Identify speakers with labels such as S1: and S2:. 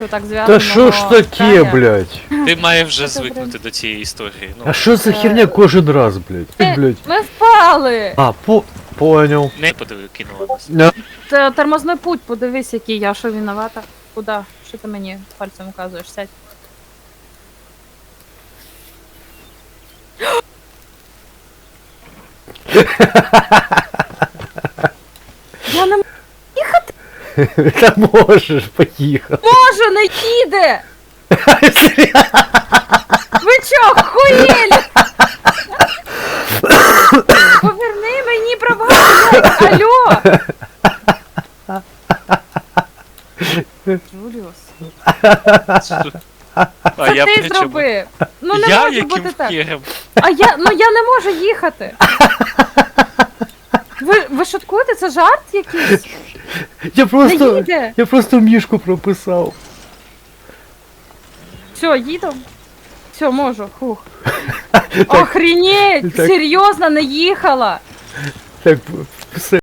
S1: Так зв'язано.
S2: Та що ж таке, блядь?
S3: Ти маєш вже звикнути до цієї історії. Ну,
S2: А що за херня кожен раз, блядь? Блядь.
S1: Ми впали!
S2: А, понял.
S3: не подиви, кинула нас.
S1: Тормозний путь, подивись, який я, що виновата. Куда? Що ти мені пальцем указуєш? Сядь. Я не
S2: Та можеш, поїхав.
S1: можу, не їде! Ви чо, хуєлі? Поверни мені права, блядь, алло! Джуліус,
S3: А
S1: це
S3: я
S1: ти
S3: при чому?
S1: зробив! Ну не
S3: Я
S1: може
S3: яким
S1: бути так!
S3: хером?
S1: А я не можу їхати! Ви шуткуєте? Це жарт якийсь? Не їде!
S2: Я просто мішку прописав.
S1: Все, їду. Все, можу, фух. Охренеть!
S2: Так.
S1: Серйозно, не їхала!
S2: Так, все.